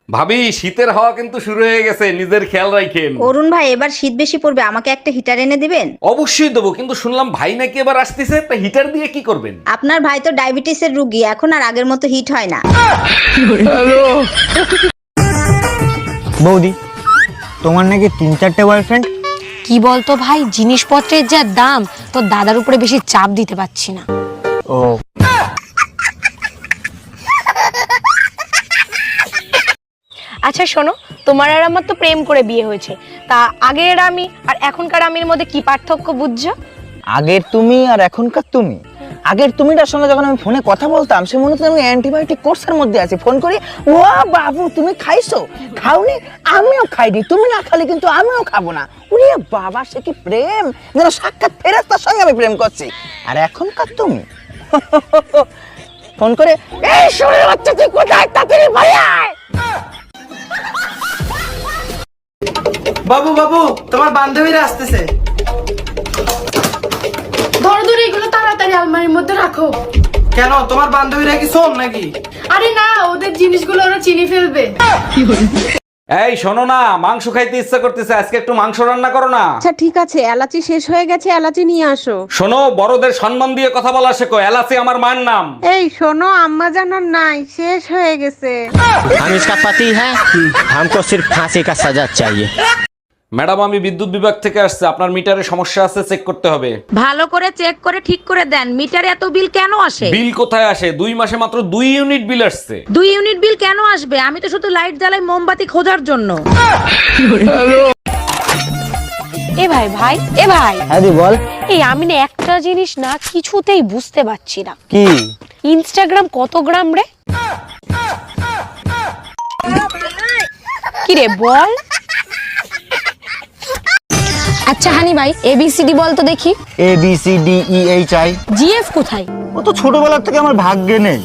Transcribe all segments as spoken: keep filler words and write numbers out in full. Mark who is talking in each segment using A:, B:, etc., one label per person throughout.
A: ভাবি শীতের হাওয়া কিন্তু শুরু হয়ে গেছে, নিজের খেয়াল রাখেন।
B: অরুণ ভাই এবার শীত বেশি পড়বে, আমাকে একটা হিটার এনে দিবেন?
A: অবশ্যই দেবো, কিন্তু শুনলাম ভাই নাকি এবার আসতেছে, তা হিটার দিয়ে কি করবেন?
B: আপনার ভাই তো ডায়াবেটিসের রুগী, এখন আর আগের মতো হিট হয় না।
C: বৌদি, তোমার নাকি তিন চারটে বয়ফ্রেন্ড?
D: কি বলতো ভাই, জিনিসপত্রের যা দাম, তোর দাদার উপরে বেশি চাপ দিতে পারছি না।
C: ও
D: আচ্ছা শোনো, তোমার আর আমার তো প্রেম করে বিয়ে হয়েছে, তা আগের আমি আর এখনকার আমির মধ্যে কি পার্থক্য বুঝছো?
C: আগের তুমি আর এখনকার তুমি। আগের তুমিটার সঙ্গে যখন আমি ফোনে কথা বলতাম, সে মনে হতো আমি অ্যান্টিবায়োটিক কোর্সের মধ্যে আছি। ফোন করি, ও বাবু তুমি খাইছো? খাওনি? আমিও খাইনি। তুমি না খালি কিন্তু আমিও খাবো না। ওরে বাবা, সে কি প্রেম! যেন সাক্ষাৎ ফেরেশতার সঙ্গে আমি প্রেম করছি। আর এখনকার তুমি ফোন করে, এই শরীর বাচ্চা তুই কোথায়, তাড়াতাড়ি বাড়ি আয়।
E: বাবু বাবু, তোমার বান্ধবীরা আসতেছে।
F: ধরো ধরো, এগুলো তাড়াতাড়ি আলমারির মধ্যে রাখো।
E: কেন, তোমার বান্ধবীরা কি শোন নাকি?
F: আরে না, ওদের জিনিসগুলো ওরা চিনি ফেলবে।
A: এই শোনো না, মাংস খাইতে ইচ্ছা করতেছে, আজকে একটু মাংস রান্না করো না।
G: আচ্ছা ঠিক আছে, এলাচি শেষ হয়ে গেছে, এলাচি নিয়ে আসো।
A: শোনো, বড়দের সম্মান দিয়ে কথা বলা শেখো, এলাচি আমার মায়ের নাম।
G: এই শোনো, আম্মা জানার নাই, শেষ হয়ে গেছে।
H: हम इसका पति है, हमको सिर्फ फांसी का सजा चाहिए।
A: ম্যাডাম, আমি বিদ্যুৎ বিভাগ থেকে আসছে, আপনার মিটারে সমস্যা আছে, চেক করতে হবে।
B: ভালো করে চেক করে ঠিক করে দেন, মিটারে এত বিল কেন আসে?
A: বিল কোথায় আসে? দুই মাসে মাত্র দুই ইউনিট বিল আসছে।
B: দুই ইউনিট বিল কেন আসবে? আমি তো শুধু লাইট জ্বালাই মোমবাতি খোঁজার জন্য।
D: এ ভাই ভাই এ ভাই
C: হ্যাঁ দি বল।
D: এই আমি না একটা জিনিস না কিছুতেই বুঝতে পারছি না,
C: কি?
D: ইনস্টাগ্রাম কত গ্রাম রে? কি রে বল। আচ্ছা হানি ভাই, এবিসিডি বল তো দেখি।
C: A B C D E H I.
D: GF কোথায়?
C: ও তো ছোটবেলার থেকে আমার ভাগ্যে নেই।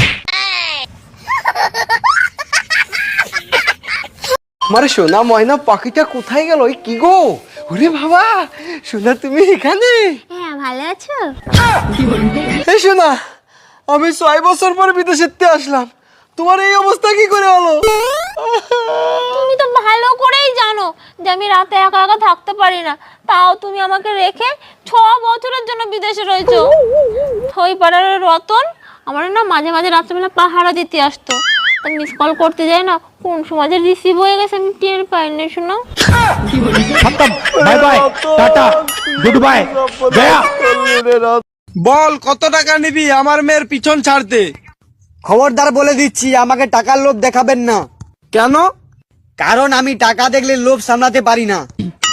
E: মারে সোনা ময়না পাখিটা কোথায় গেল? কি গো, ওরে বাবা, সোনা তুমি এখানে?
I: হ্যাঁ, ভালো আছো?
E: এই সোনা, আমি ছয় বছর পর বিদেশেতে আসলাম, তোমার এই অবস্থা কি করে হলো?
I: তুমি তো ভালো করেই জানো যে আমি রাতে একা একা থাকতে পারি না, তাও তুমি আমাকে রেখে ছ বছরের জন্য বিদেশে রয়েছো। ওই পাড়ার রতন আমার না মাঝে মাঝে রাত্রেবেলা পাহারা দিতে আসতো, তা মিস কল করতে যাই না, কোন সময় যে রিসিভ হয়ে গেছে আমি টের পাইনি। শোনো,
H: bye bye, tata, goodbye, गया।
E: বল, কত টাকা নিবি আমার মেয়ের পিছন ছাড়তে?
C: খবরদার বলে দিচ্ছি, আমাকে টাকার লোভ দেখাবেন না।
E: কেন?
C: কারণ আমি টাকা দেখলে লোভ সামলাতে পারি না।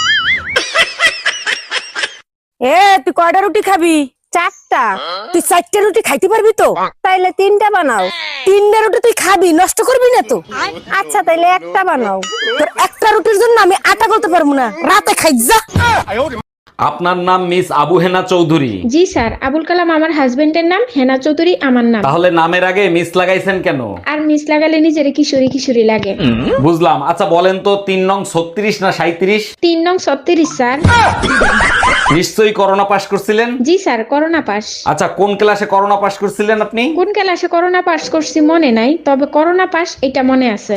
G: এ তুই কয়টা রুটি খাবি? চারটা। তুই চারটা রুটি খাইতে পারবি তো? তাইলে তিনটা বানাও। তিনটা রুটি তুই খাবি, নষ্ট করবি না তো? আচ্ছা তাইলে একটা বানাও। তোর একটা রুটির জন্য আমি আটা করতে পারবো না, রাতে খাই যা।
A: আপনার নাম মিস আবু হেনা চৌধুরী?
F: জি স্যার, আবুল কালাম আমার হাজবেন্ডের নাম, হেনা চৌধুরী আমার নাম।
A: তাহলে নামের আগে মিস লাগাইছেন কেন?
F: আর মিস লাগালে নিজের কিশোরী কিশোরী লাগে।
A: বুঝলাম। আচ্ছা বলেন তো, তিন নং ছত্রিশ না সাঁইত্রিশ?
F: তিন নং ছত্রিশ স্যার।
A: নিশ্চয়ই করোনা পাস করছিলেন?
F: জি স্যার, করোনা পাস।
A: আচ্ছা, কোন ক্লাসে করোনা পাস করছিলেন আপনি?
F: কোন ক্লাসে করোনা পাস করছি মনে নাই, তবে করোনা পাস এটা মনে আছে।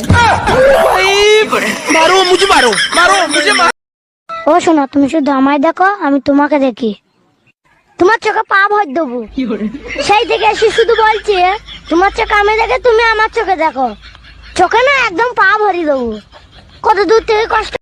E: মারো মুঝে, মারো মারো মুঝে।
I: ও শোনো, তুমি শুধু আমায় দেখো, আমি তোমাকে দেখি। তোমার চোখে পা ভর দেবো। সেই থেকে এসে শুধু বলছি, তোমার চোখে আমি দেখে তুমি আমার চোখে দেখো। চোখে না একদম পা ভরি দেবো। কত দূর থেকে কষ্ট